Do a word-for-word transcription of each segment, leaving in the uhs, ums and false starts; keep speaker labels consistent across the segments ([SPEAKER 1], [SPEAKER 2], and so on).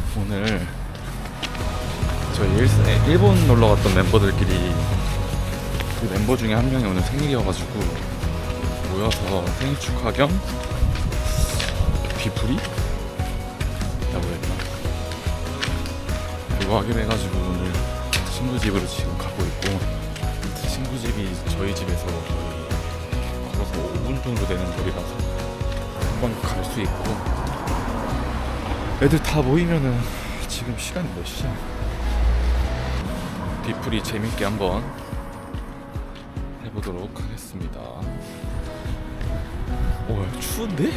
[SPEAKER 1] 오늘 저희 일, 일본 놀러 갔던 멤버들끼리 그 멤버 중에 한 명이 오늘 생일이어가지고 모여서 생일 축하 겸 뒤풀이? 라고 했나? 그거 하기로 해가지고 오늘 친구 집으로 지금 가고 있고, 친구 집이 저희 집에서 거의 걸어서 오 분 정도 되는 거리라서 금방 갈 수 있고, 애들 다 모이면은 지금 시간이 몇 시야? 뒤풀이 재밌게 한번 해보도록 하겠습니다. 오, 추운데?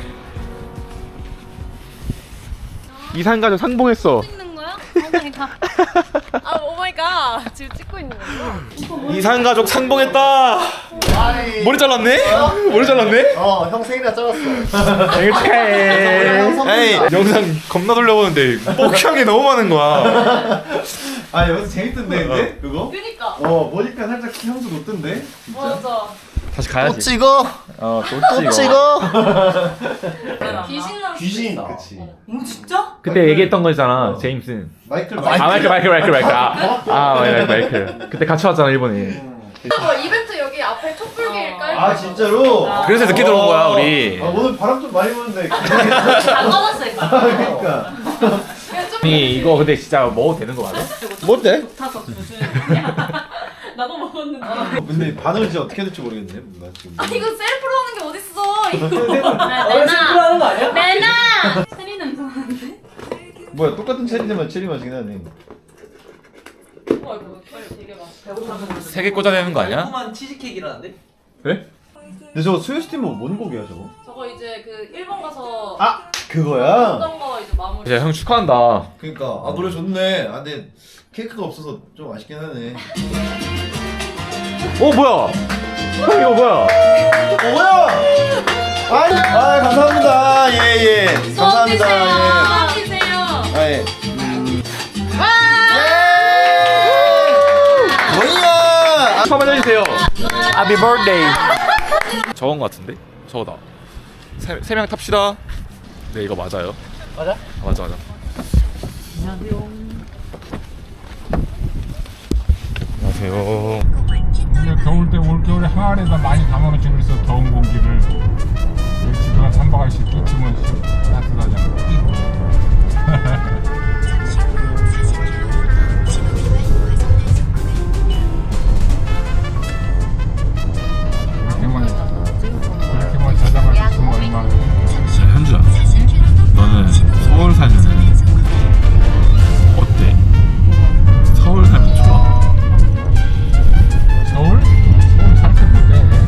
[SPEAKER 1] 이산가족 상봉했어.
[SPEAKER 2] 찍는 거야? 오마이갓. 아 오마이갓. 지금 찍고 있는 거야?
[SPEAKER 1] 이산가족 상봉했다. 머리 잘랐네? 어? 머리 잘랐네?
[SPEAKER 3] 어, 형 생일이라 잘랐어.
[SPEAKER 1] 생일 축하해. 에이, 영상 겁나 돌려보는데 뻑형이 너무 많은 거야.
[SPEAKER 3] 아, 여기서 재밌던데, 근데? 그거?
[SPEAKER 2] 그니까.
[SPEAKER 3] 어, 보니까 살짝 향수 돋던데? 진짜?
[SPEAKER 2] 맞아.
[SPEAKER 1] 다시 가야지.
[SPEAKER 3] 찍어!
[SPEAKER 1] 어, 또
[SPEAKER 3] 또
[SPEAKER 1] 찍어.
[SPEAKER 3] 찍어!
[SPEAKER 2] 귀신 나올 수도
[SPEAKER 3] 귀신,
[SPEAKER 2] 있어.
[SPEAKER 3] 그치.
[SPEAKER 2] 어, 진짜?
[SPEAKER 1] 그때 얘기했던 거잖아, 제임슨.
[SPEAKER 3] 마이클,
[SPEAKER 1] 아, 마이클, 마이클, 마이클, 마이클. 아, 아, 마이클, 마이클. 그때 같이 왔잖아, 일본에.
[SPEAKER 2] 뭐 이벤트 여기 앞에 촛불길 깔.
[SPEAKER 3] 아, 진짜로?
[SPEAKER 1] 그래서 늦게 들어온 거야, 우리.
[SPEAKER 3] 아, 오늘 바람 좀 많이 부는데.
[SPEAKER 2] 안 받았으니까.
[SPEAKER 3] 그러니까.
[SPEAKER 1] 아니, 이거 근데 진짜 먹어도 되는 거 맞아?
[SPEAKER 3] 뭔데?
[SPEAKER 2] 타서 조준. 나도 먹었는데.
[SPEAKER 3] 근데 반응을 진짜 어떻게 해야 될지 모르겠네. 나 지금.
[SPEAKER 2] 아 이거 셀프로 하는 게 어딨어? 이거.
[SPEAKER 4] 셀프로 하는 거 아니야?
[SPEAKER 2] 내놔. 체리 냄새 나는데?
[SPEAKER 3] 뭐야, 똑같은 체리지만 체리 맛이긴 하네.
[SPEAKER 2] 와 이거 되게 맛.
[SPEAKER 1] 세 개 꽂아내는 거 아니야?
[SPEAKER 4] 달콤한 치즈케이크라는데?
[SPEAKER 1] 그래?
[SPEAKER 3] 근데 저거 스웨스팀은 뭔 곡이야, 저거?
[SPEAKER 2] 저거 이제 그 일본 가서
[SPEAKER 3] 아! 그거야?
[SPEAKER 2] 했던 거 이제 마무리.
[SPEAKER 1] 야, 형 축하한다.
[SPEAKER 3] 그니까, 아, 노래 좋네. 아, 근데 케이크가 없어서 좀 아쉽긴 하네.
[SPEAKER 1] 어, 뭐야? 형, 이거 뭐야?
[SPEAKER 3] 어, 뭐야? 아니, 아, 감사합니다. 예, 예. 감사합니다. 예.
[SPEAKER 2] 수업 주세요.
[SPEAKER 3] 아, 예.
[SPEAKER 2] 와.
[SPEAKER 3] 예! 뭐야?
[SPEAKER 1] 한번 해주세요. Happy birthday. 저건 거 같은데? 저거다. 세, 세 명 탑시다. 네, 이거 맞아요.
[SPEAKER 4] 맞아?
[SPEAKER 1] 아, 맞아, 맞아. 안녕하세요. 안녕하세요.
[SPEAKER 5] 겨울 때 올겨울에 항아리에다 많이 담아놓지 그래서 더운 공기를 집에가 삼박할 수 있지만 따뜻하잖아. 이렇게만 이렇게만 저장할 수 있으면 얼마나.
[SPEAKER 1] 현주야, 너는 서울 살면은 어때? 서울 살면 좋아?
[SPEAKER 5] 서울? 서울 살게 못해.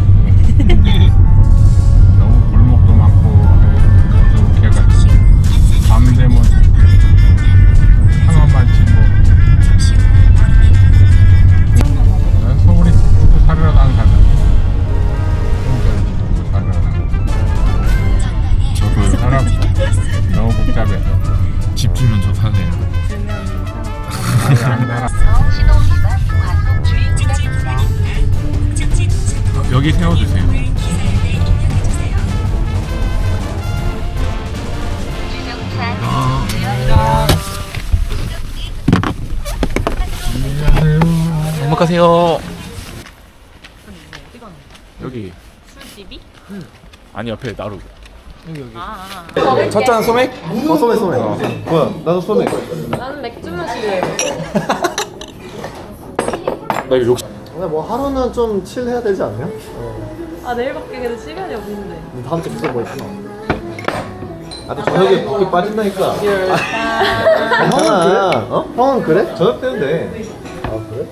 [SPEAKER 5] 너무 골목도 많고 부족해가지고 밤 되면 상어만 치고. 난 서울에 죽고 살으러 안 살아. 서울에 죽고 살으러 안
[SPEAKER 1] 저도
[SPEAKER 5] 살아. 너무 복잡해.
[SPEAKER 1] 집 주면 저 사세요.
[SPEAKER 5] 아니 안 살아.
[SPEAKER 1] 여기 세워주세요. 행복하세요. 여기.
[SPEAKER 2] 술집이?
[SPEAKER 1] 아니, 옆에 나루.
[SPEAKER 2] 아.
[SPEAKER 1] 첫 잔 소맥?
[SPEAKER 3] 어, 소맥, 소맥. 뭐야, 나도 소맥.
[SPEAKER 2] 나는 맥주 마실래.
[SPEAKER 1] 나 이거 욕심.
[SPEAKER 3] 근데 뭐 하루는 좀 칠해야 되지 않냐?
[SPEAKER 2] 아 내일밖에 그래도 시간이 없는데.
[SPEAKER 3] 다음 주에 무슨 뭐 있구나. 아, 근데 저녁에 붓기 빠진다니까. 아, 형은 그래? 어? 형은 그래? 저녁 때는 돼. 아, 그래?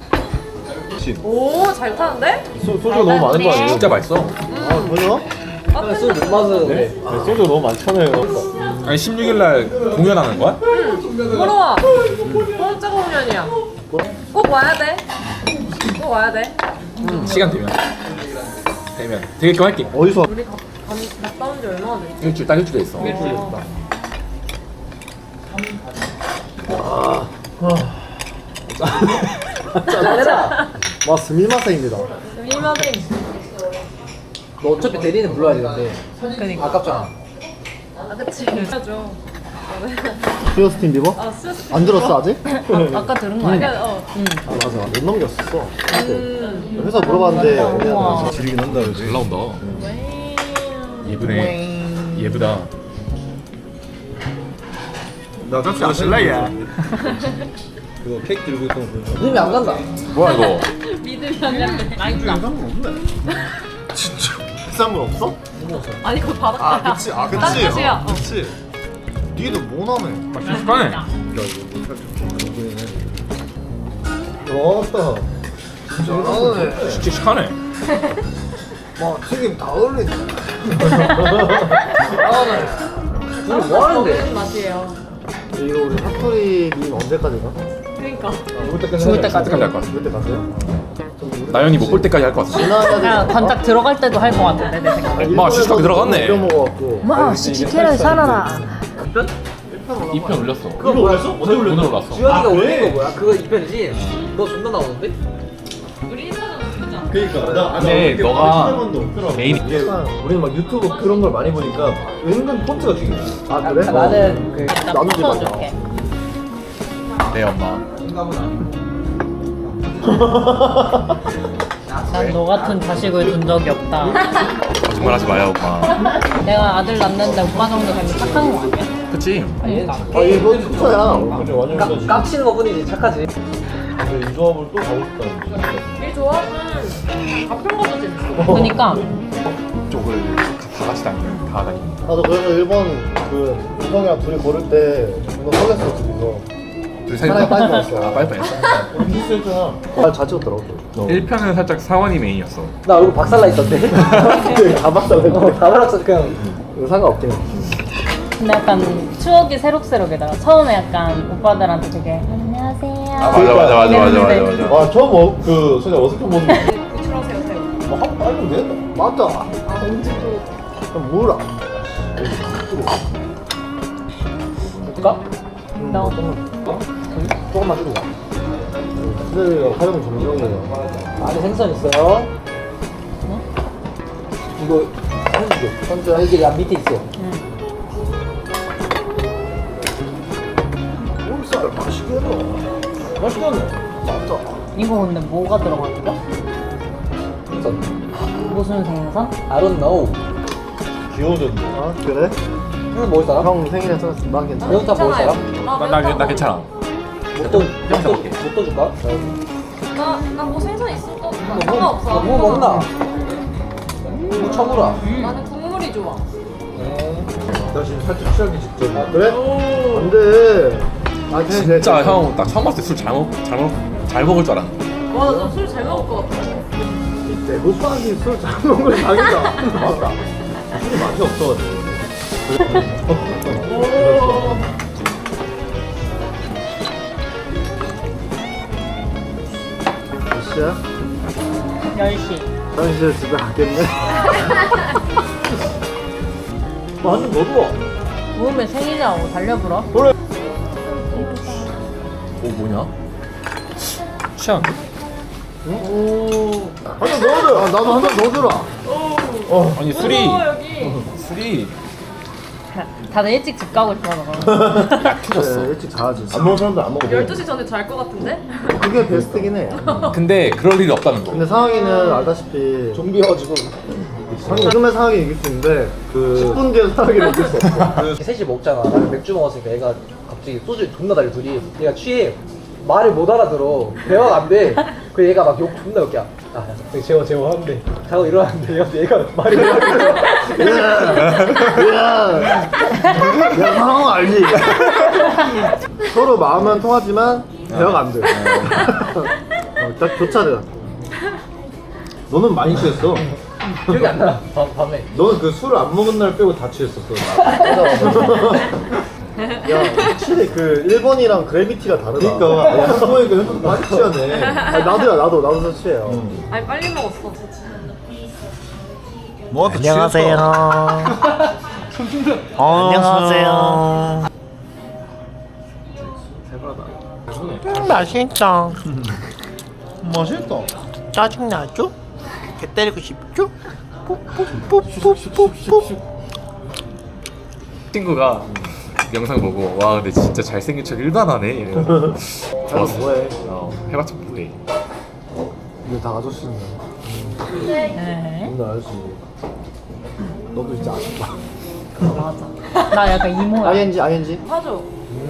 [SPEAKER 2] 오 잘 타는데?
[SPEAKER 3] 소, 소주가 너무 많은 거 아니에요?
[SPEAKER 1] 진짜 맛있어.
[SPEAKER 3] 아, 전혀?
[SPEAKER 4] 소주 못 마시는데.
[SPEAKER 3] 네? 네, 소주가 너무 많잖아요.
[SPEAKER 1] 아니, 십육 일 날 공연하는 거야?
[SPEAKER 2] 보러 와. 공짜가 공연이야. 꼭 와야 돼. 꼭 와야 돼.
[SPEAKER 1] 시간 되면. 되면. 되게 할게.
[SPEAKER 3] 어디서?
[SPEAKER 2] 우리 가, 가, 갔다 온 지 얼마나 됐지?
[SPEAKER 1] 일주일, 딱 일주일 있어.
[SPEAKER 2] 일주일
[SPEAKER 3] 됐다.
[SPEAKER 4] 잘해라.
[SPEAKER 3] 와, 스미마세입니다.
[SPEAKER 2] 미마생.
[SPEAKER 4] 너 어차피 대리는 불러야 되는데.
[SPEAKER 2] 그니까.
[SPEAKER 4] 아깝잖아.
[SPEAKER 2] 아 그치. 해야죠.
[SPEAKER 3] 스티어스틴 비버?
[SPEAKER 2] 아 스트레스.
[SPEAKER 3] 안 들었어 아직?
[SPEAKER 2] 아까 들은 거 아니야? 어. 응.
[SPEAKER 3] 아 맞아 못 넘겼었어.
[SPEAKER 2] 음.
[SPEAKER 3] 회사 물어봤는데
[SPEAKER 2] 우와.
[SPEAKER 3] 지르긴 한다 그지.
[SPEAKER 1] 잘 나온다. 예쁘네. 예쁘다.
[SPEAKER 3] 나 같이 안 쓸래 얘. 그거 케이크 들고 있던 거 보니까
[SPEAKER 4] 믿음이 안 간다.
[SPEAKER 1] 뭐야 이거?
[SPEAKER 2] 믿음이 안 가네. 맛있다.
[SPEAKER 3] 없네. 진짜 비싼 건 없어?
[SPEAKER 2] 아니 그거 바닷가야.
[SPEAKER 3] 아 그치 아 그치.
[SPEAKER 2] 딴 뜻이야.
[SPEAKER 3] 어, 그치. 니도 뭐 나네.
[SPEAKER 1] 아 순식간에.
[SPEAKER 3] 야 이거 뭐 살짝 보이네. 왔다. 진짜 나네.
[SPEAKER 1] 씩씩하네.
[SPEAKER 3] 막 튀김 다 어울리네.
[SPEAKER 4] 둘이 뭐 하는데?
[SPEAKER 2] 먹는 맛이에요.
[SPEAKER 3] 이거 우리 핫토리 밈 언제까지 가?
[SPEAKER 2] 그러니까.
[SPEAKER 3] 죽을 때까지.
[SPEAKER 2] 죽을 때까지.
[SPEAKER 1] 때까지 할 것 같아.
[SPEAKER 3] 죽을 때까지요?
[SPEAKER 1] 나연이 못 볼 때까지 할 것 같아.
[SPEAKER 3] 지나가야 돼.
[SPEAKER 2] 관짝 들어갈 때도 할 것 같은데 내 생각에.
[SPEAKER 1] 마, 씩씩하게 들어갔네.
[SPEAKER 3] 끓여 먹어갖고.
[SPEAKER 2] 마 씩씩해라 살아라.
[SPEAKER 1] 이 편 올렸어.
[SPEAKER 3] 그거 올렸어? 언제
[SPEAKER 1] 오늘 올랐어.
[SPEAKER 4] 주현이가
[SPEAKER 3] 아,
[SPEAKER 4] 올린
[SPEAKER 3] 그래?
[SPEAKER 4] 거 뭐야? 그거 이 편이지? 너 존나 나오는데?
[SPEAKER 2] 우리 인사는 진짜.
[SPEAKER 3] 그니까 나
[SPEAKER 1] 근데 너가 메인-
[SPEAKER 3] 이게 우리는 막 유튜브 그런 걸 많이 보니까 은근 폰트가 중요해. 아 그래?
[SPEAKER 4] 아, 나는 그
[SPEAKER 2] 나
[SPEAKER 3] 나도
[SPEAKER 2] 붙여줄게.
[SPEAKER 1] 네 엄마.
[SPEAKER 2] 난 너 같은 자식을 둔 적이 없다.
[SPEAKER 1] 정말 하지 마요 엄마.
[SPEAKER 2] 내가 아들 낳는데 오빠 정도 되면 착한 거 아니야?
[SPEAKER 1] 그치?
[SPEAKER 3] 아 이거 폰트야. 완전
[SPEAKER 4] 까,
[SPEAKER 3] 완전
[SPEAKER 4] 깝치는 거 뿐이지 착하지.
[SPEAKER 3] 이 조합을 또 가고 싶다.
[SPEAKER 2] 이 조합은 가평가도 재밌어. 그니까
[SPEAKER 1] 쪽을 다 같이 다니는 다 다니는.
[SPEAKER 3] 나도 그래서 일본 그 우성이랑 둘이 고를 때 이거 설렜어 둘이서.
[SPEAKER 1] 둘이
[SPEAKER 3] 사랑에 빠질 뻔했어.
[SPEAKER 1] 아 빨리 빨리.
[SPEAKER 3] 우리 비슷했잖아. 아잘 찍었더라고.
[SPEAKER 1] 일 편은 살짝 사원이 메인이었어.
[SPEAKER 4] 나 얼굴 박살나 있던데?
[SPEAKER 3] 다 박살냈
[SPEAKER 4] 어, 다 발랐어 그냥.
[SPEAKER 3] 이거 상관없긴 해.
[SPEAKER 2] 근데 약간 추억이 새록새록이더라. 처음에 약간 오빠들한테 되게 안녕하세요.
[SPEAKER 1] 아 맞아 맞아 맞아 맞아 맞아 맞아.
[SPEAKER 3] 와 처음 어, 그 진짜 어색한 모습.
[SPEAKER 2] 구출하세요 새우.
[SPEAKER 3] 뭐한 빨면 되겠다. 맞다.
[SPEAKER 2] 아 언제 또
[SPEAKER 3] 그럼 뭐라?
[SPEAKER 4] 줄까?
[SPEAKER 2] 너.
[SPEAKER 3] 조금만 줄이자. 근데 활용 점정이에요.
[SPEAKER 4] 안에 생선 있어요. 이거 해주죠. 선주 아, 이게 야 밑에 있어.
[SPEAKER 2] 응.
[SPEAKER 3] 살 맛있겠다. 맛있겠네. 맞다.
[SPEAKER 2] 이거 근데 뭐가 들어가는 거야?
[SPEAKER 4] 생선.
[SPEAKER 2] 무슨 생선?
[SPEAKER 4] I don't know.
[SPEAKER 3] 귀여워졌네. 아 그래?
[SPEAKER 4] 생선 먹을 사람?
[SPEAKER 3] 형 생일에 써서 난 괜찮아.
[SPEAKER 4] 매운탕 먹을 사람?
[SPEAKER 2] 아,
[SPEAKER 1] 나, 나, 나 괜찮아.
[SPEAKER 4] 목도
[SPEAKER 1] 매운탕 먹게.
[SPEAKER 4] 목도 줄까?
[SPEAKER 2] 나나뭐 생선 있어도
[SPEAKER 4] 뭐,
[SPEAKER 2] 상관없어.
[SPEAKER 4] 뭐 먹나? 뭐 쳐물어.
[SPEAKER 2] 나는 국물이 좋아.
[SPEAKER 3] 나 지금 살짝 취하기 직전. 아 그래? 안돼. 아 그래,
[SPEAKER 1] 진짜
[SPEAKER 3] 그래, 그래.
[SPEAKER 1] 형 딱 처음 봤을 때 술 잘 먹, 잘 먹, 잘 먹을 줄 알았는데.
[SPEAKER 2] 와, 너 술 잘 먹을 것 같아.
[SPEAKER 3] 대구빵이 술잘 먹는 걸 당이다. 맞다. 술이 맛이 없어가지고. 몇 시야?
[SPEAKER 2] 열 시.
[SPEAKER 3] 난 이제 집에 가겠네. 완전 너도 와.
[SPEAKER 2] 모음에 생일이라고 달려불어?
[SPEAKER 1] 오 뭐냐? 취향.
[SPEAKER 3] 오. 한잔 넣어줘. 아, 나도 한 잔 넣어주라.
[SPEAKER 1] 아니 술이
[SPEAKER 2] 여기.
[SPEAKER 1] 술이
[SPEAKER 2] 다들 일찍 집 가고 싶어 너.
[SPEAKER 1] 약해졌어.
[SPEAKER 3] 네, 일찍 자야지. 안 먹은 사람들 안 먹어.
[SPEAKER 2] 열두 시 전에 잘 것 같은데?
[SPEAKER 3] 그게 베스트긴 해.
[SPEAKER 1] 근데 그럴 일이 없다는 거.
[SPEAKER 3] 근데 상황이는 알다시피 좀비여가지고 지금의 상황이 이길 수 있는데 그 십 분 뒤에 상황이를 이길 수 없어.
[SPEAKER 4] 셋이 먹잖아. 나는 맥주 먹었으니까 얘가 갑자기 소주 존나 달려 둘이. 얘가 취해. 말을 못 알아들어. 대화가 안 돼. 그 얘가 막 욕 존나 웃겨. 아, 야, 재워 재워 하는데 자고 일어났는데 얘가, 얘가 말이 못 알아들어.
[SPEAKER 3] 야, 야 상황 알지? 서로 마음은 통하지만 대화가 안 돼. 어, 딱 교차돼. 너는 많이 취했어.
[SPEAKER 4] 기억이 안 나. 밤, 밤에.
[SPEAKER 3] 너는 그 술을 안 먹은 날 빼고 다 취했었어. 야, 확실히 그 일본이랑 그래비티가 다르다. 그러니까 야, 한국이니까 현금 많이 취하네. 아니, 나도야, 나도 나도 서 취해요.
[SPEAKER 2] 아니 빨리 먹었어.
[SPEAKER 3] 뭐
[SPEAKER 6] 안녕하세요. 안녕하세요. 음, 맛있다.
[SPEAKER 3] 맛있다.
[SPEAKER 6] 짜증나죠? 개 때리고 싶죠? 뽀뽀뽀뽀뽀뽀.
[SPEAKER 1] 친구가 영상 보고 와 근데 진짜 잘생긴 척 일반하네 이러면서 좋았어.
[SPEAKER 3] 뭐해?
[SPEAKER 1] 어, 해봤자 뭐해.
[SPEAKER 3] 이거 다 아저씨네.
[SPEAKER 2] 네.
[SPEAKER 3] 오늘 아저씨. 너도 진짜 아쉽다.
[SPEAKER 2] 맞아. 나 약간 이모야.
[SPEAKER 3] 아이엔지 아이엔지.
[SPEAKER 2] 사줘.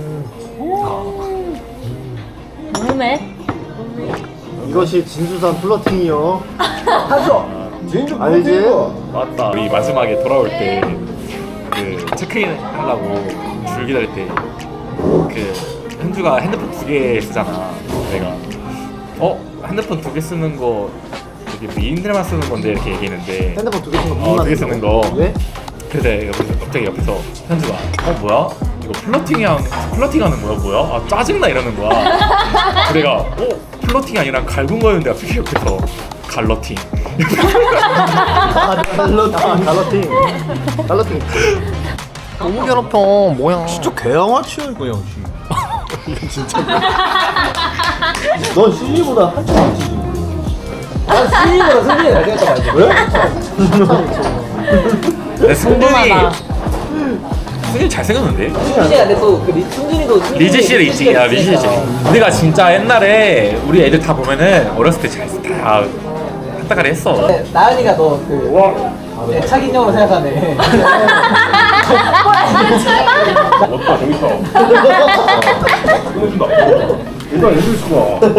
[SPEAKER 2] 모르네.
[SPEAKER 3] 이것이 진수산 플러팅이요.
[SPEAKER 4] 하죠.
[SPEAKER 3] 진주 알지?
[SPEAKER 1] 맞다. 우리 마지막에 돌아올 때 그 체크인 하려고 줄 기다릴 때 그 현주가 핸드폰 두 개 쓰잖아. 내가 어 핸드폰 두 개 쓰는 거 되게 미인들만 쓰는 건데 이렇게 얘기했는데
[SPEAKER 3] 핸드폰 두 개 쓰는 거
[SPEAKER 1] 어, 두 개 쓰는 거.
[SPEAKER 3] 왜?
[SPEAKER 1] 그래서 내가 갑자기 옆에서 현주가 어 뭐야? 이거 플러팅이야 플러팅하는 거야 뭐야? 아 짜증나 이러는 거야. 그래서 내가 어 플러팅이 아니라 갈군 거였는데 갑자기 옆에서 갈러팅.
[SPEAKER 3] 아 갈러팅 갈러팅 갈러팅.
[SPEAKER 6] 너무 괴롭혀. 뭐야?
[SPEAKER 3] 진짜 개양아치야 이거 양치. 이거 진짜. 넌 시리보다 한참 낫지.
[SPEAKER 4] 난 승리보다 승진이 잘생겼다고 알지?
[SPEAKER 1] 내 승준이
[SPEAKER 2] 궁금하다.
[SPEAKER 1] 승준이 잘생겼는데?
[SPEAKER 4] 승진이 근데 또그 승진이도
[SPEAKER 1] 리즈 씨를 있지. 야 리즈 씨. 우리가 진짜 옛날에 우리 애들 다 보면은 어렸을 때 잘다 한따가리 했어.
[SPEAKER 4] 근데 나연이가 너그 애착 인형으로 생각하네.
[SPEAKER 5] 멋다 재밌어. 끊어준다. 일단 해줄 수가.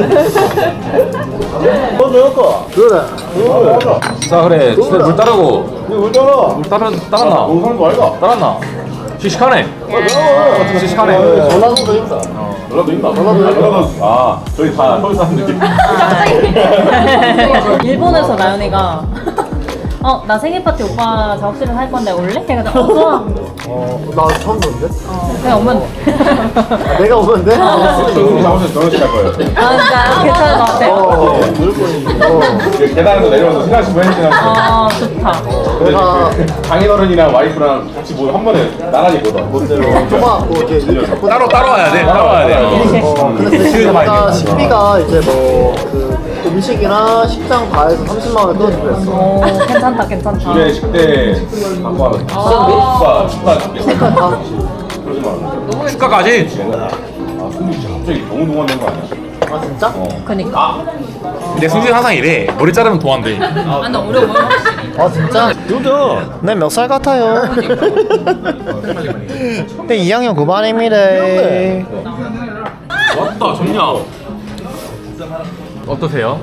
[SPEAKER 3] 너 내가 그래.
[SPEAKER 1] 자 그래 진짜 물 따르고
[SPEAKER 3] 이거 왜 따라?
[SPEAKER 1] 물 따르 따랐나?
[SPEAKER 5] 너무 사는 거 아이가?
[SPEAKER 1] 따랐나? 씩씩하네. 씩씩하네.
[SPEAKER 3] 전라도도 있다.
[SPEAKER 5] 전라도 있나? 전라도 아 저희 다 서울 사람들끼리.
[SPEAKER 2] 일본에서 나연이가 어, 나 생일 파티 오빠 작업실에서 할 건데 올래? 해가지고 어, 좋아.
[SPEAKER 3] 어, 나 처음 보는데?
[SPEAKER 2] 어, 그냥 오면 돼.
[SPEAKER 3] 아, 내가 오면 돼?
[SPEAKER 5] 저희 작업실 결혼식 할 거예요.
[SPEAKER 2] 아, 진짜 괜찮을 것 같아.
[SPEAKER 3] 어, 물건이. 어,
[SPEAKER 5] 계단에서 내려와서 신랑식 해주시는
[SPEAKER 2] 아, 좋다.
[SPEAKER 3] 내가
[SPEAKER 5] 장인어른이랑 와이프랑 같이 뭐 한 번에 나란히 못 와.
[SPEAKER 3] 못대로 조그맣고 뭐 이렇게 이렇게 잡고
[SPEAKER 1] 따로 따로 와야 돼. 따로 와야 돼.
[SPEAKER 3] 어, 근데
[SPEAKER 1] 그
[SPEAKER 3] 대신
[SPEAKER 1] 많이
[SPEAKER 3] 내가
[SPEAKER 1] 돼.
[SPEAKER 3] 식비가 이제 뭐 그 음식이나 식당 다 해서 삼십만 원을 끊어주기로 했어.
[SPEAKER 2] 오, 괜찮다, 괜찮다.
[SPEAKER 5] 주례 식대 갖고 하면 축가 축가 축가
[SPEAKER 3] 식당 다
[SPEAKER 5] 그러지 마.
[SPEAKER 1] 축가까지.
[SPEAKER 5] 아 손이 진짜 갑자기 너무 동안된 거 아니야?
[SPEAKER 3] 아 진짜?
[SPEAKER 2] 그니까.
[SPEAKER 1] 근데 승준 항상 이래. 머리 자르면 도안돼.
[SPEAKER 2] 아, 근데 어려워.
[SPEAKER 3] 아 진짜? 누구?
[SPEAKER 6] 네 몇 살 같아요? 근데 이 학년 구 반입니다.
[SPEAKER 1] 왔다 좋냐? 어떠세요?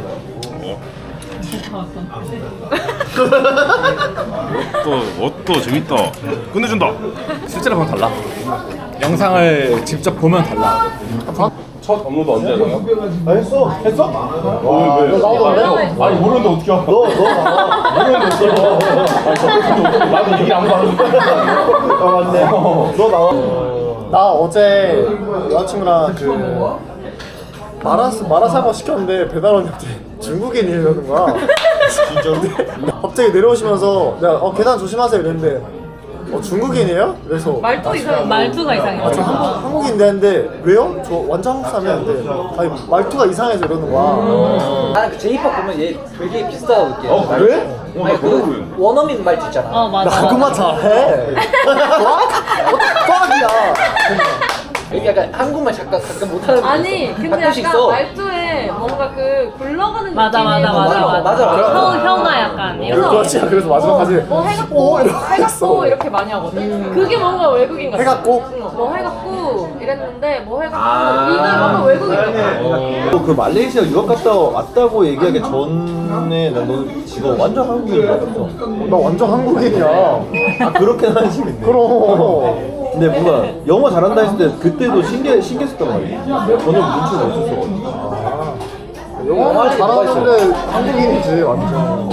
[SPEAKER 5] 또 옷도 재밌다. 끝내준다.
[SPEAKER 1] 실제로 보면 달라. 영상을 직접 보면 달라.
[SPEAKER 5] 첫 업로드 언제 해요?
[SPEAKER 3] 아 했어.
[SPEAKER 5] 했어? 어, 왜? 왜?
[SPEAKER 3] 너 나오던데?
[SPEAKER 5] 아니 모르는데 어떻게 알아?
[SPEAKER 3] 너, 너 나와.
[SPEAKER 5] 모르는데 어떻게 알아? 아니 저 나도 얘기 아무도 안 하는데.
[SPEAKER 3] 아 맞네. 너 나와. 나 어제 여자친구랑 그 마라 마라사과 시켰는데 배달 언니한테 중국인이라는 거야. 진짜인데? 갑자기 내려오시면서 내가 어 계단 조심하세요 이랬는데 어 중국인이에요? 그래서
[SPEAKER 2] 말투 이상, 말투가 이상해.
[SPEAKER 3] 아, 저 한국, 한국인데 했는데 왜요? 저 완전 한국 사람이었는데 아니 말투가 이상해서 이러는 거야.
[SPEAKER 4] 나는 그 제이팝 보면 얘 되게 비슷하다고 느껴.
[SPEAKER 5] 어 그래? 어, 나
[SPEAKER 4] 아니
[SPEAKER 5] 그런 거
[SPEAKER 4] 그 원어민 말투 있잖아.
[SPEAKER 2] 어, 맞아.
[SPEAKER 3] 나 한국말 잘해. 빡이야.
[SPEAKER 4] 여기 약간 한국말 잠깐 가끔 못하는
[SPEAKER 7] 아니 근데
[SPEAKER 4] 가끔씩
[SPEAKER 7] 약간
[SPEAKER 4] 있어.
[SPEAKER 7] 말투에 뭔가 그 굴러가는
[SPEAKER 2] 맞아,
[SPEAKER 7] 느낌이
[SPEAKER 2] 맞아, 맞아,
[SPEAKER 7] 있어서
[SPEAKER 2] 맞아.
[SPEAKER 4] 맞아.
[SPEAKER 2] 혀, 혀가 약간. 이런
[SPEAKER 3] 그렇지. 그래서 마지막까지
[SPEAKER 7] 뭐 해갖고
[SPEAKER 3] 오, 이러고
[SPEAKER 7] 해갖고
[SPEAKER 3] 있어.
[SPEAKER 7] 이렇게 많이 하거든. 그게 뭔가 외국인 같아.
[SPEAKER 3] 해갖고?
[SPEAKER 7] 응, 뭐 해갖고 이랬는데 뭐 해갖고
[SPEAKER 5] 아.
[SPEAKER 7] 이게 뭔가 외국인 같아.
[SPEAKER 3] 그 말레이시아 유학 갔다 왔다고 얘기하기 전에 난 너는 지금 완전 한국인인 줄 알았어. 나 완전 한국인이야. 아 그렇게 하는 식인데. 그럼. 근데 뭔가 영어 잘한다 했을 때 그때도 신기해 신기했었단 말이야. 전혀 눈치가 없었어. 아, 영어 잘하는데 한국인이지 완전.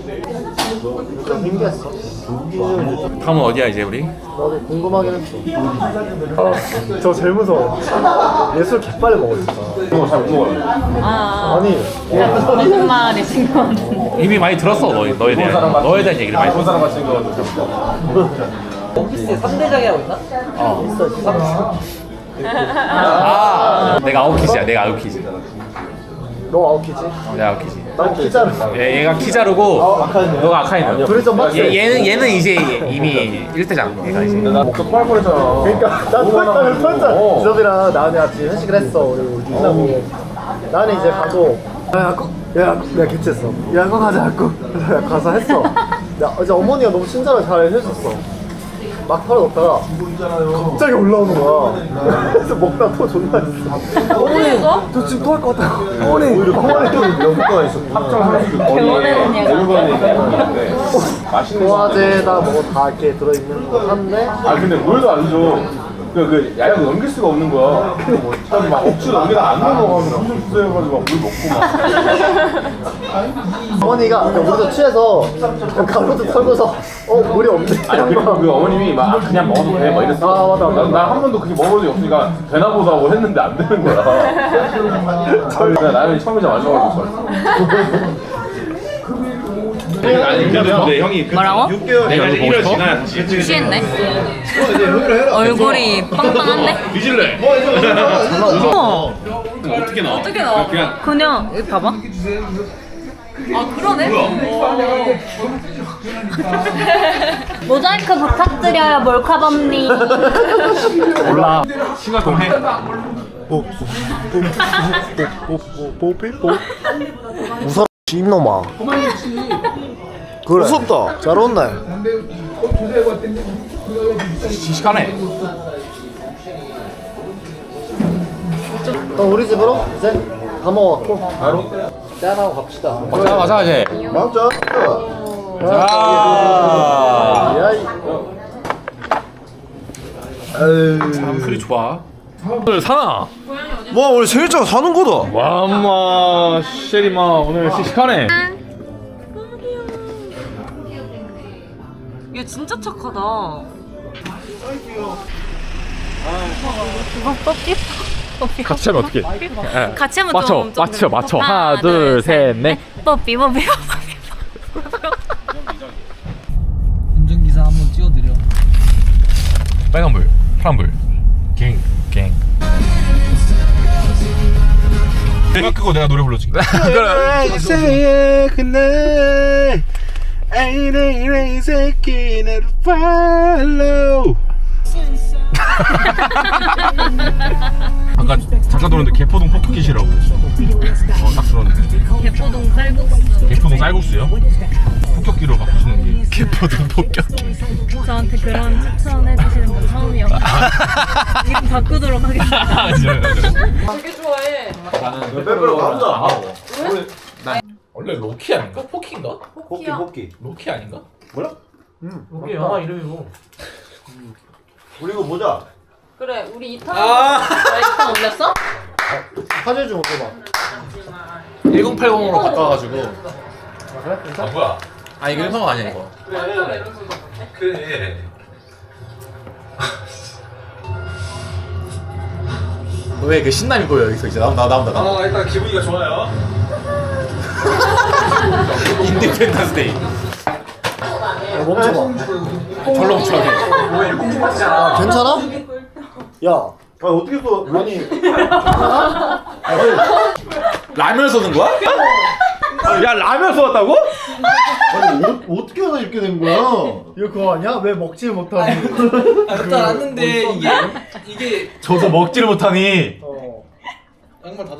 [SPEAKER 3] 좀 신기했어.
[SPEAKER 1] 다음은 어디야 이제 우리?
[SPEAKER 3] 나도 궁금하긴 했어. 아, 저 제일 무서워. 예술 개빨리 먹어 진짜.
[SPEAKER 5] 이거 잘 못 먹어요.
[SPEAKER 2] 아,
[SPEAKER 3] 아니.
[SPEAKER 2] 무슨 말이신 것 같은데.
[SPEAKER 1] 이미 많이 들었어 너, 너에 대한 너에 대한 얘기를 많이
[SPEAKER 5] 일본
[SPEAKER 1] 들었어.
[SPEAKER 5] 사람 같이 생겨가지고
[SPEAKER 4] 오피스에 삼 대장이라고 있나?
[SPEAKER 1] 어. 아 내가 아웃키즈야. 내가 아웃키즈.
[SPEAKER 3] 너 아웃키지?
[SPEAKER 1] 어, 내가 아웃키즈.
[SPEAKER 3] 난 키자르.
[SPEAKER 1] 얘, 얘가 키자르고
[SPEAKER 3] 아, 아카이네.
[SPEAKER 1] 너가 아카이네.
[SPEAKER 3] 둘이 좀 맞지?
[SPEAKER 1] 얘, 얘는 얘는 이제 이미 일 대장. 얘가 이제.
[SPEAKER 3] 나 목도 토할 뻔했잖아. 그러니까 난 토했다 토했다. 지섭이랑 나은이 같이 회식을 했어. 우리 끝나고 나는 이제 가고 야 야구 야 내가 개최했어. 야구 가자 야구. 그래서 가서 했어. 야 이제 어머니가 너무 친절하게 잘 해줬어. 막 털어놓다가 갑자기 올라오는 거야. 그래서 먹다 토 존나 했어. 어머니 저 지금 토할 것 같아. 어머니 오히려 토할 때는 이런 효과가 있어.
[SPEAKER 2] 개원하는 얘가.
[SPEAKER 3] 소화제에다 뭐 다 이렇게 들어있는 거 한데
[SPEAKER 8] 아 근데 물도 안 줘. 그, 그 야약을 넘길 수가 없는 거야. 막, 막 억지로 넘기다 안 넘어가면 엄청 주세해가지고 막 물 먹고 막.
[SPEAKER 3] 어머니가 그러니까 우리도 취해서 가로도 털고서 어 물이 없네.
[SPEAKER 8] 아니 그리고 그 어머님이 막 아, 그냥 먹어도 돼 막 이랬어.
[SPEAKER 3] 아, 맞아, 맞아.
[SPEAKER 8] 난 한 번도 그게 먹어본 적이 없으니까 되나 보다 하고 했는데 안 되는 거야. 그래서 나는 처음이자 마지막으로 줬어.
[SPEAKER 1] 아니 근데 형이
[SPEAKER 2] 뭐라고?
[SPEAKER 1] 내가 이제 일 월 지나야 다시
[SPEAKER 2] 취했네. 얼굴이 빵빵한데?
[SPEAKER 1] 뒤질래.
[SPEAKER 2] 어.
[SPEAKER 1] 어떻게 나와?
[SPEAKER 2] 어떻게 나와?
[SPEAKER 1] 그냥
[SPEAKER 2] 그냥 여기 봐봐. 아 그러네.
[SPEAKER 7] 모자이크 부탁드려요, 몰카범님.
[SPEAKER 1] 몰라. 시간 좀 해.
[SPEAKER 6] 웃어 입놈아. 그래. 무섭다. 잘 온네.
[SPEAKER 1] 시식하네.
[SPEAKER 3] 어, 우리 집으로 이제 다 먹었고 바로
[SPEAKER 4] 짠하고 갑시다.
[SPEAKER 1] 맞아 맞아 이제.
[SPEAKER 3] 맞죠?
[SPEAKER 1] 자.
[SPEAKER 3] 야이.
[SPEAKER 1] 사람 소리 좋아. 오늘 사나?
[SPEAKER 6] 뭐 원래 생일자가 사는 거다.
[SPEAKER 1] 와 엄마 쉐리마 오늘 시식하네.
[SPEAKER 2] 얘 진짜 착하다.
[SPEAKER 1] 같이 하면 어떻게?
[SPEAKER 2] 같이 하면
[SPEAKER 1] 맞춰
[SPEAKER 2] 좀, 좀
[SPEAKER 1] 맞춰 맞춰. 하나
[SPEAKER 2] 하나,
[SPEAKER 1] 둘 셋 넷.
[SPEAKER 2] 뽀삐 뽀삐 뽀삐.
[SPEAKER 4] 운전기사 한번 찍어드려.
[SPEAKER 1] 빨간불 파란불 갱 갱. 음악 끄고 내가 노래 불러줄게.
[SPEAKER 6] say 그날 아이래 이 새끼 나를 follow.
[SPEAKER 1] 아까 잠깐 들었는데 개포동 포켓이라고. 어딱 들었는데.
[SPEAKER 2] 개포동 쌀국수.
[SPEAKER 1] 개포동 쌀국수요? 폭격기로 바꾸시는 게. 개포동 폭격기.
[SPEAKER 2] 저한테 그런 추천해 주시는 분 처음이요. 이름 바꾸도록 하겠습니다. 되게 좋아해.
[SPEAKER 1] 나는
[SPEAKER 3] 빼빼로 가보자.
[SPEAKER 1] 난 원래 로키 아닌가? 포키인가?
[SPEAKER 3] 뽑기 뽑기.
[SPEAKER 1] 로키 아닌가?
[SPEAKER 3] 몰라?
[SPEAKER 4] 이게 영화 이름이고.
[SPEAKER 3] 우리 이거 보자.
[SPEAKER 2] 그래, 우리 이탄. 아, 이탄 올렸어?
[SPEAKER 3] 사진 좀 올려봐.
[SPEAKER 1] 천팔십으로 바꿔가지고. 아 뭐야? 아 이거 일본어 아니야 이거. 그래. 너의 그 신남이 보여 여기서 이제 나온다 나온다 나온다.
[SPEAKER 8] 아 일단 기분이가 좋아요.
[SPEAKER 1] 인디펜던스 데이.
[SPEAKER 3] 야, 멈춰봐.
[SPEAKER 1] 절로 멈춰게.
[SPEAKER 3] 아, 괜찮아? 야. 아 어떻게 또 아니
[SPEAKER 1] 라면 쏘는 거야? 야 라면 쏘았다고?
[SPEAKER 3] 아니 어, 어떻게 하다 이렇게 된 거야? 이거 그거 아니야? 왜 먹지 못하는?
[SPEAKER 4] 일단 왔는데 이게 이게
[SPEAKER 1] 저도 먹지를 못하니.
[SPEAKER 3] 어.
[SPEAKER 4] 양말 다 젖어.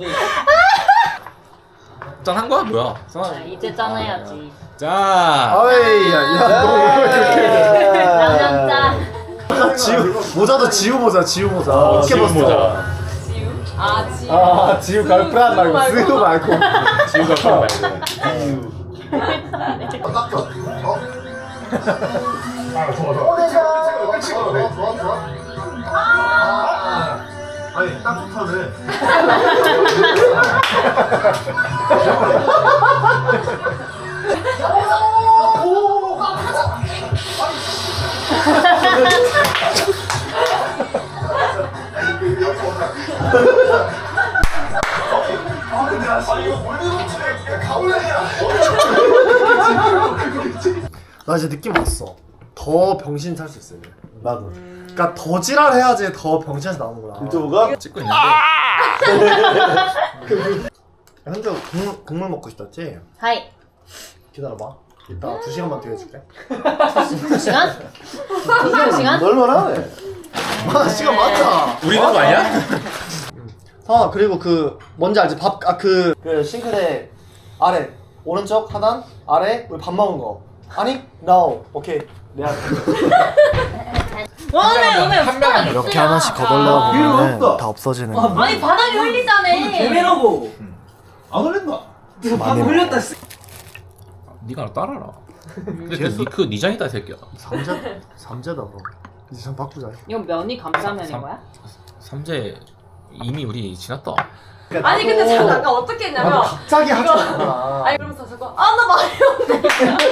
[SPEAKER 1] 짠한 거야 뭐야?
[SPEAKER 2] 자, 이제 짠해야지.
[SPEAKER 1] 자.
[SPEAKER 3] 아이 야야 너 이렇게
[SPEAKER 2] 라면 짠.
[SPEAKER 3] 지우 모자도 지우 모자 지우 모자 어떻게
[SPEAKER 1] 지우
[SPEAKER 3] 봤어?
[SPEAKER 1] 모자.
[SPEAKER 2] 아, 지.
[SPEAKER 3] 아 지우 가을 프란 말고 스우 말고
[SPEAKER 1] 지우가 그런 말고.
[SPEAKER 3] 아니 딱 좋다네. 나 이제 느낌 왔어. 더 병신 찰 수 있어. 이제. 나도. 그러니까 더 지랄해야지 더 병신에서 나오는구나. 유튜브가
[SPEAKER 1] 찍고 있는데.
[SPEAKER 6] 현주 국물, 국물 먹고 싶었지?
[SPEAKER 7] 하이.
[SPEAKER 6] 기다려봐. 이따 두 시간만 더 해줄게.
[SPEAKER 7] 두 시간? 두 시간?
[SPEAKER 6] 널널하네. 아 시간 많다.
[SPEAKER 1] 우리 있는 거 아니야?
[SPEAKER 6] 아 그리고 그 뭔지 알지? 밥 아 그 그 싱크대 아래 오른쪽 하단 아래 우리 밥 먹은 거. 아니? No. 오케이. 내가
[SPEAKER 7] 오늘 오늘 한 명
[SPEAKER 6] 이렇게 하나씩 거덜나 보면 다 없어지는 거.
[SPEAKER 7] 아니 바닥에 흘리잖아.
[SPEAKER 4] 개매라고.
[SPEAKER 3] 안 흘린다.
[SPEAKER 4] 이거 방금 흘렸다.
[SPEAKER 1] 네가 알아 따라라. 근데 그 니크 니장이다 이 새끼야.
[SPEAKER 6] 삼재 삼재다 그럼. 이제 좀 바꾸자.
[SPEAKER 2] 이건 면이 감자면인
[SPEAKER 1] 삼-
[SPEAKER 2] 거야?
[SPEAKER 1] 삼재 이미 우리 지났다.
[SPEAKER 2] 아니 근데 잠깐 아까 어떻게 했냐면
[SPEAKER 6] 갑자기 하지 마.
[SPEAKER 2] 아니 그러면서 자꾸 아나 말이 없네.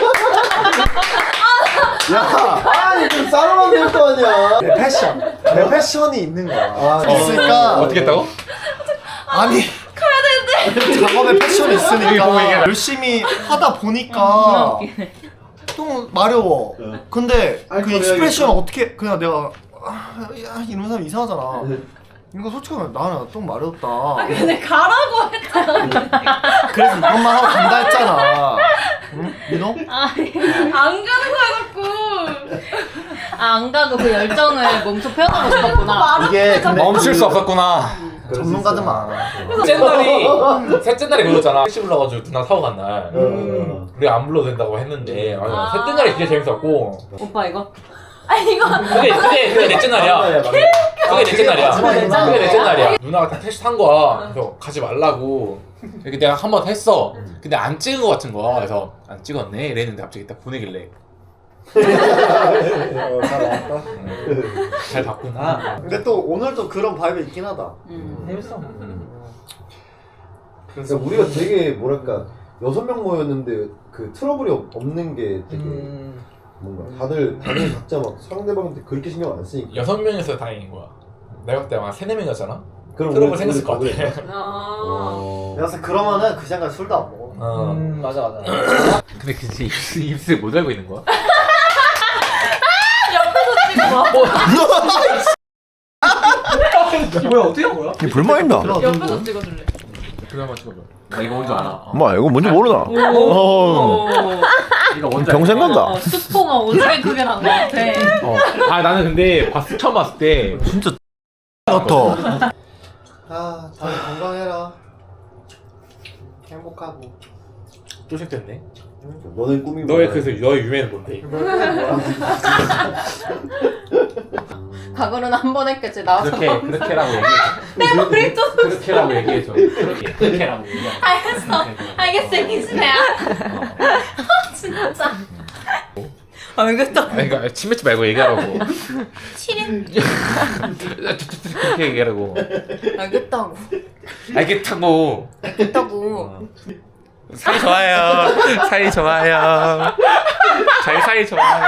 [SPEAKER 6] 야, 아니 좀 싸움만 될 거 아니야. 내 패션, 내 패션이 있는 거야. 아, 있으니까
[SPEAKER 1] 어떻게 했다고?
[SPEAKER 6] 아니 가야 되는데 작업에 패션이 있으니까 열심히 하다 보니까 좀 마려워. 근데 그 익스프레션 어떻게 그냥 내가 아, 야, 이런 사람 이상하잖아. 이거 솔직히 말해 나는 좀 마렵다.
[SPEAKER 2] 근데 가라고 했잖아.
[SPEAKER 6] 그래서 이것만 하고 간다 했잖아. 응? 민호?
[SPEAKER 2] 안 가는 거야 자꾸.
[SPEAKER 7] 아, 안 가고 그 열정을 몸소 표현하고 싶었구나.
[SPEAKER 6] 이게 근데
[SPEAKER 1] 멈출 수 없었구나.
[SPEAKER 6] 전문가들 많아.
[SPEAKER 1] 셋째 날이 셋째 날에 불렀잖아. 택시 불러가지고 누나 사고 간 날. 우리 안 불러도 된다고 했는데 아니, 셋째 날이 진짜 재밌었고.
[SPEAKER 2] 오빠 이거.
[SPEAKER 7] 아니 이거
[SPEAKER 1] 그게 그게 그게 넷째 날이야. 그게 넷째 날이야. 그게 넷째 날이야. 누나가 다 택시 탄 거야. 그래서 가지 말라고. 이렇게 내가 한 번 했어. 근데 안 찍은 거 같은 거야. 그래서 안 찍었네. 이랬는데 갑자기 딱 보내길래.
[SPEAKER 6] 어, 잘 나왔다.
[SPEAKER 1] 음, 잘 봤구나.
[SPEAKER 6] 근데 또 오늘도 그런 바이브 있긴 하다.
[SPEAKER 4] 재밌어.
[SPEAKER 3] 그래서 우리가 되게 뭐랄까 여섯 명 모였는데 그 트러블이 없- 없는 게 되게
[SPEAKER 4] 음.
[SPEAKER 3] 뭔가 다들 다들 각자 막 상대방한테 그렇게 신경 안 쓰니까.
[SPEAKER 1] 여섯 명에서 다행인 거야. 내가 그때 아마 세네 명이었잖아.
[SPEAKER 3] 그럼
[SPEAKER 1] 트러블
[SPEAKER 3] 우리-
[SPEAKER 1] 생겼을
[SPEAKER 3] 우리
[SPEAKER 1] 것 같아.
[SPEAKER 3] 그래.
[SPEAKER 2] 아.
[SPEAKER 3] 어.
[SPEAKER 6] 그래서 그러면은 그 시간까지 술도 안 먹어.
[SPEAKER 1] 어.
[SPEAKER 4] 음 맞아 맞아.
[SPEAKER 1] 근데 그 입술 입술 못 알고 있는 거야?
[SPEAKER 4] 뭐야 어떻게 한 거야?
[SPEAKER 6] 이 불만입니다.
[SPEAKER 2] 옆에서 찍어줄래?
[SPEAKER 1] 그거 한번 찍어줘. 나 이거 뭔지 알아.
[SPEAKER 6] 뭐 이거 뭔지 모르나? 어.
[SPEAKER 1] 이거 뭔지
[SPEAKER 6] 평생 간다.
[SPEAKER 2] 어, 스포가 오지게 크게 난 거 같아.
[SPEAKER 1] 어. 아 나는 근데 봤 처음 봤을 때
[SPEAKER 6] 진짜 같아. 아, 다들 건강해라. 행복하고.
[SPEAKER 1] 쪼색됐네.
[SPEAKER 3] 너네 꿈이
[SPEAKER 1] 너의
[SPEAKER 3] 뭐야?
[SPEAKER 1] 그래서 너의 유명은 뭔데?
[SPEAKER 2] 과거는 한 번 했겠지 나와서.
[SPEAKER 1] 그렇게 그렇게라고 얘기해.
[SPEAKER 2] 내 머리 또.
[SPEAKER 1] 그렇게라고 얘기해줘. 그렇게 그렇게라고 얘기해.
[SPEAKER 7] 알겠어. 알겠어. 이기스네야. 진짜. 알겠다.
[SPEAKER 1] 아니 그러니까 침 뱉지 말고 얘기하라고.
[SPEAKER 7] 치림.
[SPEAKER 1] 그렇게 얘기하라고.
[SPEAKER 7] 알겠다고.
[SPEAKER 1] 알겠다고.
[SPEAKER 7] 알겠다고.
[SPEAKER 1] 사이 좋아요. 사이 좋아요. 저희 사이 좋아요.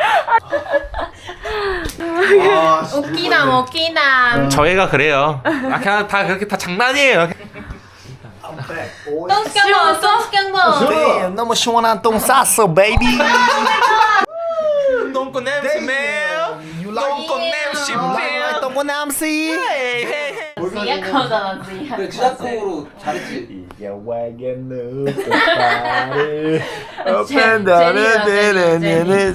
[SPEAKER 6] 아,
[SPEAKER 7] 웃기다 웃기다.
[SPEAKER 1] 저희가 그래요. 아 그냥 다 그렇게 다 장난이에요.
[SPEAKER 7] 똥스경보 똥스경보.
[SPEAKER 6] 너무 시원한 똥 쌌어, 베이비.
[SPEAKER 1] 똥꼬 냄새 매요. 똥꼬 냄새 매요.
[SPEAKER 6] 똥꼬 냄새.
[SPEAKER 7] 지약하잖아 지약.
[SPEAKER 4] 그 지작곡으로 잘했지.
[SPEAKER 6] 이게 왜게 누구를
[SPEAKER 7] 제니가 제니.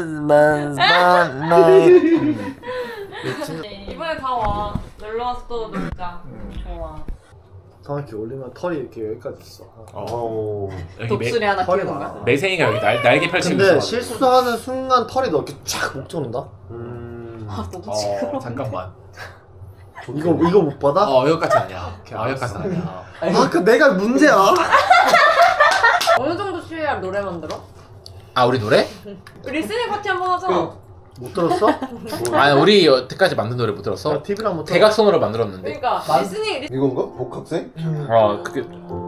[SPEAKER 2] 이번에 다 와. 놀러 와서 또 놀자. 좋아.
[SPEAKER 6] 다 이렇게 올리면 털이 이렇게 여기까지 있어.
[SPEAKER 3] 어.
[SPEAKER 1] 여기 매,
[SPEAKER 2] 독수리 하나
[SPEAKER 6] 털이
[SPEAKER 2] 키우는
[SPEAKER 6] 많아.
[SPEAKER 2] 거야.
[SPEAKER 1] 매생이가 여기 날, 날개 펼치고
[SPEAKER 6] 근데
[SPEAKER 1] 있어.
[SPEAKER 6] 실수하는 순간 털이 너 이렇게 쫙목 조른다.
[SPEAKER 3] 음.
[SPEAKER 2] 아 너무
[SPEAKER 1] 어
[SPEAKER 2] 시끄러워.
[SPEAKER 1] 잠깐만.
[SPEAKER 6] 이거 이거 못 받아?
[SPEAKER 1] 어 여기까지 아니야. 아 여기까지 아니야.
[SPEAKER 6] 아, 그 내가 문제야.
[SPEAKER 2] 어느 정도 취해야 노래 만들어?
[SPEAKER 1] 아 우리 노래?
[SPEAKER 2] 리스닝 파티 한번 하자.
[SPEAKER 6] 못 들었어?
[SPEAKER 1] 아 우리 여태까지 만든 노래 못 들었어?
[SPEAKER 6] 나 티비랑 못 들어.
[SPEAKER 1] 대각선으로 만들었는데.
[SPEAKER 2] 그러니까 리스닝 리...
[SPEAKER 3] 이건가? 복학생?
[SPEAKER 1] 어 그게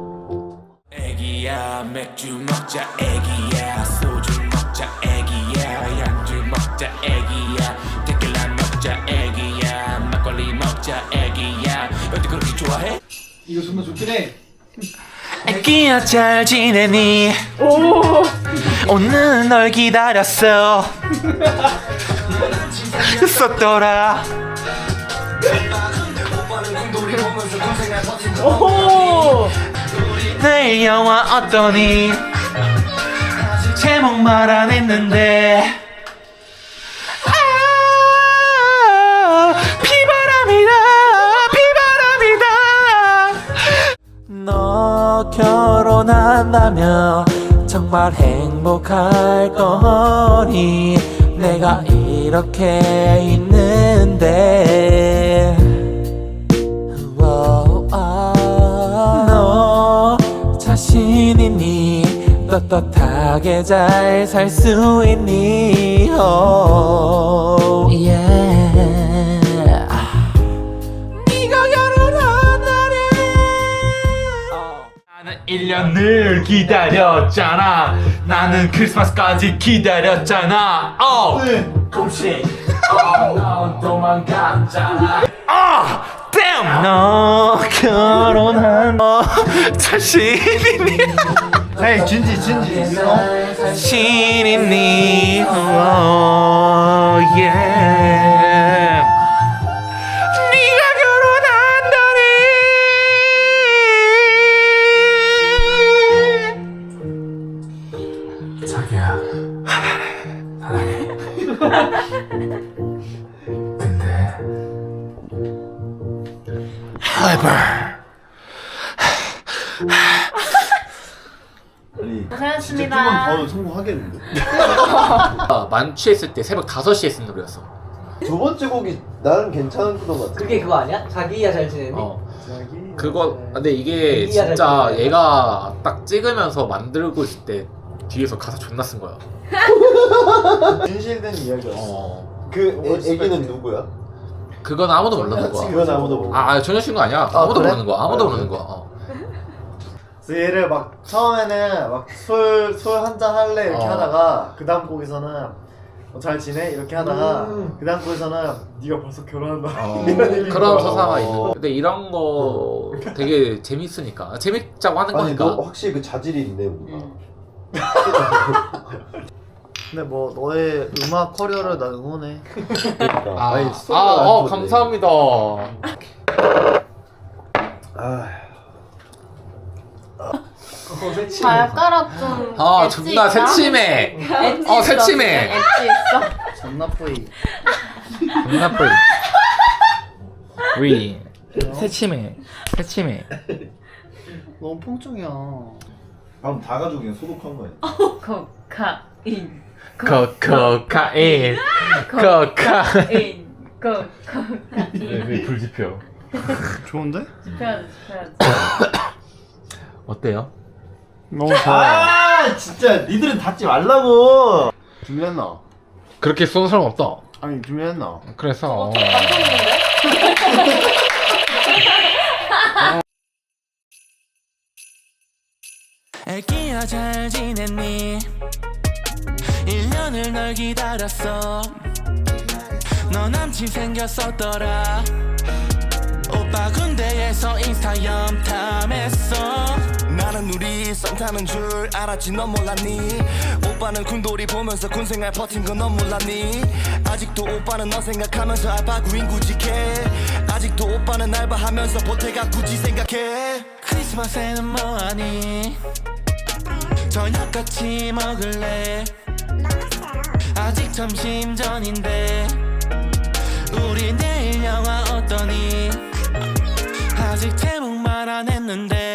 [SPEAKER 9] 애기야 맥주 먹자 애기야 소주 먹자 애기야 양주 먹자 애기야 테킬라 먹자 애기야 막걸리 먹자 애기야 어디 그렇게 좋아해?
[SPEAKER 4] 이거 정말 좋긴 해.
[SPEAKER 9] 애기야 잘 지내니 오늘 널 기다렸어 썼더라
[SPEAKER 2] 오.
[SPEAKER 9] 내일 영화 어떠니 제목만 안 했는데 아 비바람이다 비바람이다 너 결혼한다면 정말 행복할 거니 내가 이렇게 있는데 너 자신 있니 떳떳하게 잘 살 수 있니 oh, yeah. 네가 결혼한다니 나는 일 년을 기다렸잖아 나는 크리스마스까지 기다렸잖아 어 조금씩 넌 도망갔잖아 아 damn 너 결혼한 너 자신 있니
[SPEAKER 6] 헤이 진지 진지 어?
[SPEAKER 9] 자신 있니 oh, yeah. 네가 결혼한다니 자기야 사랑해 근데 하이버
[SPEAKER 3] 아니
[SPEAKER 2] 고생하셨습니다.
[SPEAKER 3] 조금만 더 성공하겠는데?
[SPEAKER 9] 만취했을 때 새벽 다섯 시에 쓴 노래였어
[SPEAKER 3] 두 번째 곡이 나는 괜찮은 것 같아.
[SPEAKER 4] 그게 그거 아니야? 자기야 잘 지내니?
[SPEAKER 9] 어 그거 근데 이게
[SPEAKER 4] 자기야 잘
[SPEAKER 9] 진짜
[SPEAKER 4] 지내니?
[SPEAKER 9] 얘가 딱 찍으면서 만들고 있을 때 뒤에서 가사 존나 쓴 거야
[SPEAKER 3] 진실된 이야기였어.
[SPEAKER 9] 어
[SPEAKER 3] 그 애, 애기는 누구야?
[SPEAKER 9] 그건 아무도 모르는 거야
[SPEAKER 3] 그건 아무도 모르.
[SPEAKER 9] 아, 아 전혀 신거 아니야 아무도
[SPEAKER 6] 그래?
[SPEAKER 9] 모르는 거야 아무도
[SPEAKER 3] 아,
[SPEAKER 9] 모르는
[SPEAKER 3] 그래?
[SPEAKER 9] 거야 어.
[SPEAKER 6] 그래서 얘를 막 처음에는 막 술 술 한잔 할래 이렇게
[SPEAKER 9] 어.
[SPEAKER 6] 하다가 그 다음 곡에서는 어, 잘 지내 이렇게 하다가
[SPEAKER 3] 음.
[SPEAKER 6] 그 다음 곡에서는 네가 벌써 결혼한다
[SPEAKER 9] 어,
[SPEAKER 6] 이런 얘기인
[SPEAKER 9] 그런
[SPEAKER 6] 거야.
[SPEAKER 9] 서사가 있는 거 근데 이런 거 되게 재밌으니까 재밌자고 하는
[SPEAKER 3] 아니
[SPEAKER 9] 거니까
[SPEAKER 3] 너 확실히 그 자질이 있네 뭔가.
[SPEAKER 6] 근데 뭐 너의 음악 커리어를 난 응원해.
[SPEAKER 3] 그러니까.
[SPEAKER 9] 아,
[SPEAKER 3] 아니,
[SPEAKER 9] 아,
[SPEAKER 3] 소리가 안
[SPEAKER 9] 어,
[SPEAKER 3] 좋네.
[SPEAKER 9] 감사합니다.
[SPEAKER 3] 아,
[SPEAKER 2] 발가락 좀.
[SPEAKER 9] 아,
[SPEAKER 2] 엣지
[SPEAKER 9] 존나
[SPEAKER 2] 있나?
[SPEAKER 9] 새침해.
[SPEAKER 2] 엣지
[SPEAKER 9] 어,
[SPEAKER 2] 있어.
[SPEAKER 9] 새침해.
[SPEAKER 2] 엣지 있어.
[SPEAKER 6] 잔나뿌이.
[SPEAKER 9] 존나 뿔. 위. 새침해. 새침해.
[SPEAKER 6] 너무 펑청이야.
[SPEAKER 3] 방금 다 가지고 그냥 소독한 거야.
[SPEAKER 2] 코카인.
[SPEAKER 9] 코코카인. 코카인.
[SPEAKER 2] 코카인. 코카인.
[SPEAKER 1] 네, 불지표.
[SPEAKER 6] 좋은데?
[SPEAKER 2] 지켜야지, 지켜야지.
[SPEAKER 9] 어때요?
[SPEAKER 6] 너무 좋아.
[SPEAKER 3] 아 진짜 니들은 닫지 말라고.
[SPEAKER 6] 준비했나?
[SPEAKER 9] 그렇게 쏘는 사람 없다.
[SPEAKER 6] 아니 준비했나?
[SPEAKER 9] 그래서.
[SPEAKER 2] 감동인데?
[SPEAKER 9] 애기야 잘 지냈니? 일 년을 널 기다렸어. 너 남친 생겼었더라. 오빠 군대에서 인스타 염탐했어.
[SPEAKER 10] 나는 우리 썸 타는 줄 알았지 넌 몰랐니. 오빠는 군돌이 보면서 군생활 버틴 건 넌 몰랐니. 아직도 오빠는 너 생각하면서 알바 구인 구직해. 아직도 오빠는 알바하면서 보태가 굳이 생각해.
[SPEAKER 9] 크리스마스에는 뭐하니? 저녁 같이 먹을래? 아직 점심 전인데 우리 내일 영화 어떠니? 아직 제목만 안 했는데